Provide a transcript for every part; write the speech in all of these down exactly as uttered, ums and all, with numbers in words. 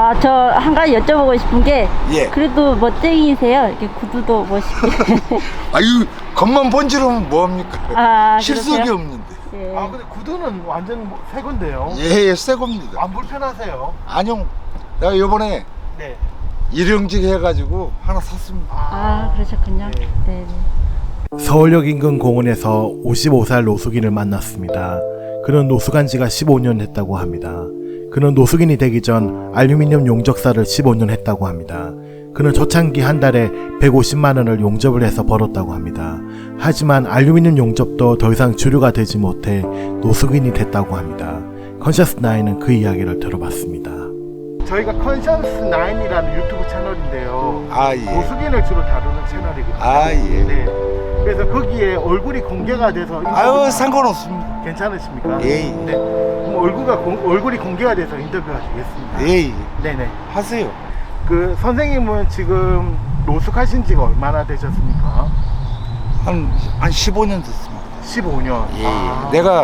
아, 저 한 가지 여쭤보고 싶은 게 예. 그래도 멋쟁이세요. 이렇게 구두도 멋있게. 아유, 겉만 번지르면 뭐합니까? 아, 실속이 그러세요? 없는데. 예. 아 근데 구두는 완전 뭐 새 건데요. 예, 예, 새 겁니다. 안 불편하세요? 아니요, 내가 요번에 네. 일용직 해가지고 하나 샀습니다. 아, 그러셨군요. 네. 네. 네. 서울역 인근 공원에서 오십오 살 노숙인을 만났습니다. 그는 노숙한 지가 십오 년 했다고 합니다. 그는 노숙인이 되기 전 알루미늄 용접사를 십오 년 했다고 합니다. 그는 초창기 한 달에 백오십만 원을 용접을 해서 벌었다고 합니다. 하지만 알루미늄 용접도 더 이상 주류가 되지 못해 노숙인이 됐다고 합니다. 컨셔스 나인은 그 이야기를 들어봤습니다. 저희가 컨션스 나인이라는 유튜브 채널인데요. 아, 예. 노숙인을 주로 다루는 채널이거든요. 아, 예. 네. 그래서 거기에 얼굴이 공개가 돼서 아유, 인터뷰가 상관없습니다. 괜찮으십니까? 예, 예. 네. 그럼 얼굴가 공, 얼굴이 공개가 돼서 인터뷰가 되겠습니다. 예, 예. 네네. 하세요. 그 선생님은 지금 노숙하신 지가 얼마나 되셨습니까? 한, 한 십오 년 됐습니다. 십오 년. 예, 아. 예. 내가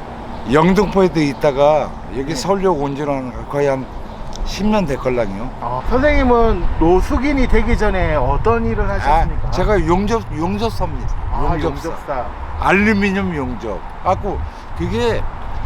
영등포에도 있다가 여기 네. 서울역 온 지는 거의 한 십 년 됐걸랑요. 아, 선생님은 노숙인이 되기 전에 어떤 일을 하셨습니까? 아, 제가 용접, 용접사입니다. 아, 용접사. 용접사. 알루미늄 용접. 갖고 그게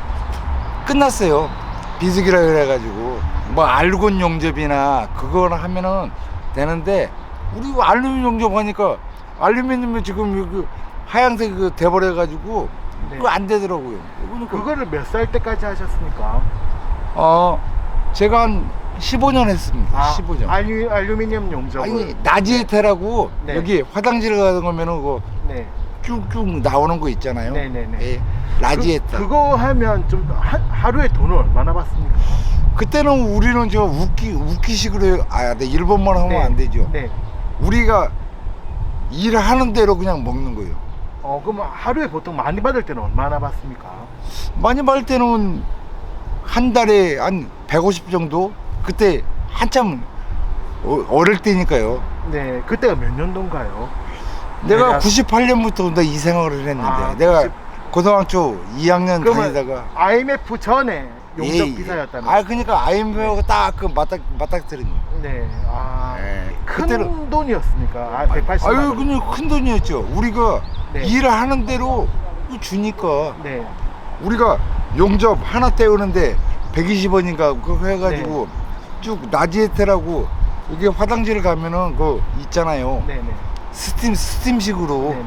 끝났어요. 비수기라 그래가지고 뭐 알곤 용접이나 그거나 하면은 되는데 우리 알루미늄 용접 하니까 알루미늄이 지금 여기 하얀색 그 돼버려가지고 네. 그거 안 되더라고요. 그러니까 그거를 몇 살 때까지 하셨습니까? 어 제가 한 십오 년 했습니다. 십오 년. 알루, 알루미늄 용접을. 아니 나지에테라고 네. 여기 화장실 가는 거면은 그거 네. 쭉쭉 나오는 거 있잖아요. 네네네. 예, 라지에타. 그, 그거 하면 좀 하, 하루에 돈을 얼마나 받습니까? 그때는 우리는 저 웃기 웃기식으로 해요. 아, 네, 일본말 하면 안 되죠. 네. 우리가 일하는 대로 그냥 먹는 거예요. 어, 그럼 하루에 보통 많이 받을 때는 얼마나 받습니까? 많이 받을 때는 한 달에 한 백오십 정도? 그때 한참 어, 어릴 때니까요. 네. 그때가 몇 년도인가요? 내가 내가- 구십팔 년부터 나 이 생활을 했는데 아, 내가 구십 고등학교 이 학년 그러면 다니다가 아이엠에프 전에 용접 예, 예. 기사였다면. 아 그러니까 아이엠에프가 딱 그 맞닥 맞닥뜨린 거예요. 네. 아. 예, 큰 그때는- 돈이었습니까? 아, 백팔십만 아유 원. 그냥 큰 돈이었죠. 우리가 네. 일을 하는 대로 주니까 네. 우리가 용접 하나 때우는데 백이십 원인가 그거 해가지고 네. 쭉 나지에테라고 여기 화장실 가면은 그 있잖아요. 네네. 스팀 스팀식으로. 네네.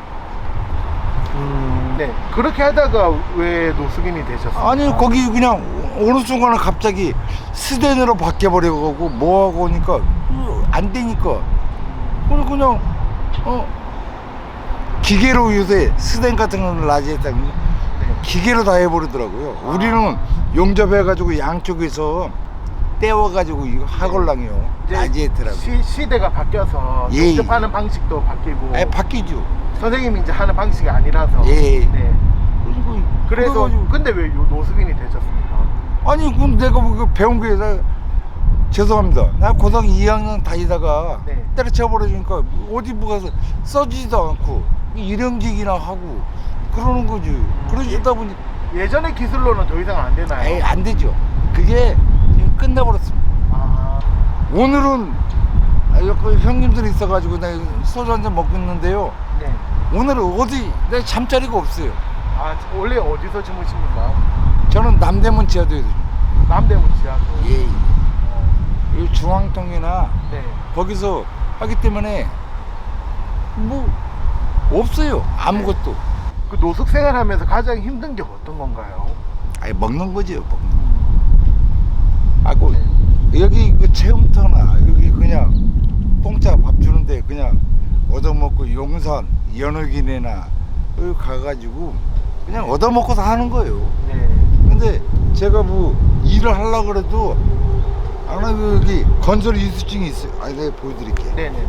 음, 네. 그렇게 하다가 왜 노숙인이 되셨어요? 아니 거기 그냥 어느 순간에 갑자기 스댄으로 바뀌어버려가고 뭐하고 오니까 안 되니까 그래서 그냥 어 기계로 요새 스댄 같은 거는 라지에타 네. 기계로 다 해버리더라고요. 아. 우리는 용접해가지고 양쪽에서 떼워가지고 이거 하걸랑이요. 이제 라지에트라고. 시, 시대가 바뀌어서 예, 용접하는 방식도 바뀌고 아 바뀌죠. 선생님이 이제 하는 방식이 아니라서. 예. 네. 그리고 그래서 그래가지고 근데 왜 요- 노숙인이 되셨습니까? 아니 그럼 내가 뭐 그 배운 게 나, 죄송합니다. 나 고등 이 학년 다니다가 네. 때려쳐 버리니까 어디 뭐 가서 써지지도 않고 일용직이나 하고 그러는 거지. 그러다 보니 예전의 기술로는 더 이상 안 되나요? 에이 안 되죠. 그게 지금 끝나버렸습니다. 아, 오늘은 아, 여기 형님들이 있어가지고 내가 소주 한잔 먹고 있는데요. 네. 오늘은 어디 내 잠자리가 없어요. 아, 원래 어디서 주무십니까? 저는 남대문 지하도에 남대문 지하도. 예, 예. 어, 이 중앙동이나 네. 거기서 하기 때문에 뭐 없어요. 아무것도. 그 노숙 생활하면서 가장 힘든 게 어떤 건가요? 아니 먹는 거죠. 먹는 거. 하고 네. 여기 그 체험터나 여기 그냥 공짜 밥 주는데 그냥 얻어먹고 용산 연옥이네나 여기 가가지고 그냥 얻어먹고 사는 거예요. 네. 근데 제가 뭐 일을 하려고 그래도 아나 여기 건설 이수증이 있어요. 아 내가 보여드릴게. 네네.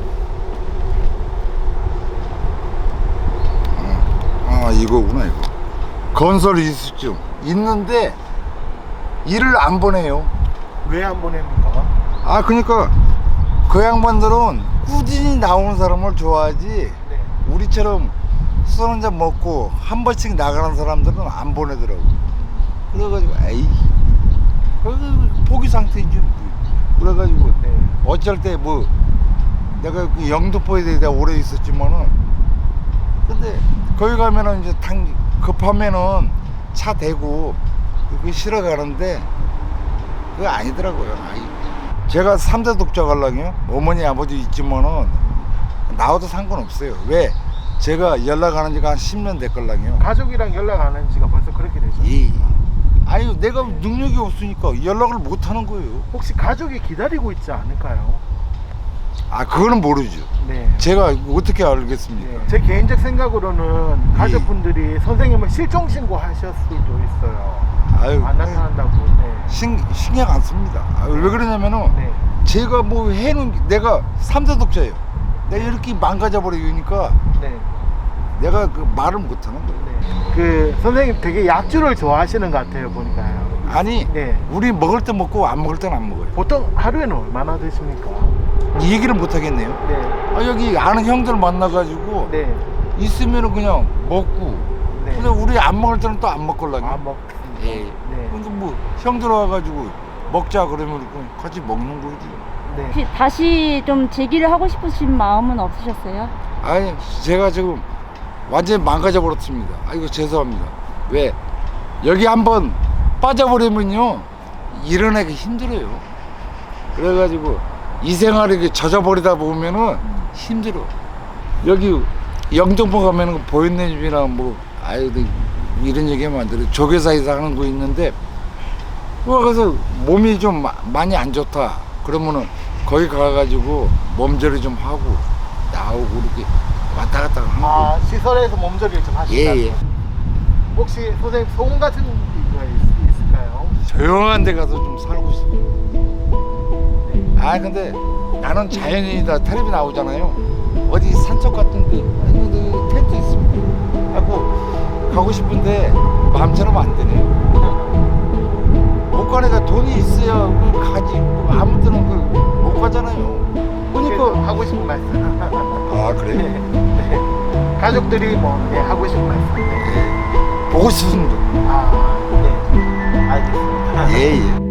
아 이거구나 이거. 건설 이수증 있는데 일을 안 보내요. 왜 안 보냅니까? 아 그러니까 그 양반들은 꾸준히 나오는 사람을 좋아하지 네. 우리처럼 술 한잔 먹고 한 번씩 나가는 사람들은 안 보내더라고. 그래가지고 에이 그 포기 상태지. 그래가지고 네. 어쩔 때 뭐 내가 그 영등포에 내가 오래 있었지만은 근데 거기 가면은 이제 당 급하면은 차 대고 그 실어 가는데 그거 아니더라고요. 아이. 제가 삼 대 독자 갈랑이요. 어머니 아버지 있지만은 나와도 상관없어요. 왜? 제가 연락하는 지가 한 십 년 됐걸랑이요. 가족이랑 연락 안 한 지가 벌써 그렇게 되죠. 예. 아유 내가 능력이 없으니까 연락을 못 하는 거예요. 혹시 가족이 기다리고 있지 않을까요? 아 그거는 모르죠. 네. 제가 어떻게 알겠습니까? 네. 제 개인적 생각으로는 가족분들이 선생님을 실종 신고하셨을 수도 있어요. 아유 안 나타난다고. 네. 신, 신경 안 씁니다. 아, 왜 그러냐면은 네. 제가 뭐 해놓은 게- 내가 삼 대 독자예요. 내가 이렇게 망가져 버리니까 네. 내가 그 말을 못 하는 거예요. 네. 그 선생님 되게 약주를 좋아하시는 것 같아요 보니까요. 아니 네. 우리 먹을 때 먹고 안 먹을 때는 안 먹어요. 보통 하루에는 얼마나 드십니까? 이 얘기를 못 하겠네요. 네. 아, 여기 아는 형들 만나가지고 네. 있으면은 그냥 먹고. 네. 근데 우리 안 먹을 때는 또 안 먹걸랑요. 아 먹. 예. 네. 근데 뭐 형들 와가지고 먹자 그러면 그냥 같이 먹는 거지. 네. 혹시 다시 좀 재기를 하고 싶으신 마음은 없으셨어요? 아니 제가 지금 완전히 망가져 버렸습니다. 아이고 죄송합니다. 왜 여기 한번 빠져버리면요 일어나기 힘들어요. 그래가지고 이 생활에 젖어버리다 보면은 힘들어. 여기 영등포 가면은 보현내 집이나 뭐 아유 이런 얘기하면 안 돼. 조교사에서 하는 거 있는데 그래서 몸이 좀 마- 많이 안 좋다. 그러면은 거기 가가지고 몸조리 좀 하고 나오고 이렇게 왔다 갔다 하는 거. 아 시설에서 몸조리를 좀 하신다. 예, 예. 혹시 선생님 소음 같은 거 있- 있을까요? 조용한 데 가서 좀 살고 싶어요. 아 근데 나는 자연인이다. 텔레비 나오잖아요. 어디 산속 같은 데 아이고 텐트 있습니다. 하고 가고 싶은데 마음처럼 안 되네요. 못 가니까 돈이 있어야 그 가지. 아무 때는 그 못 가잖아요. 그러니까 그러니까 하고 싶은 말씀. 아 네. 그래요? 네. 가족들이 뭐 네, 하고 싶은 말씀. 네. 보고 싶습니다. 아 네. 알겠습니다. 예예.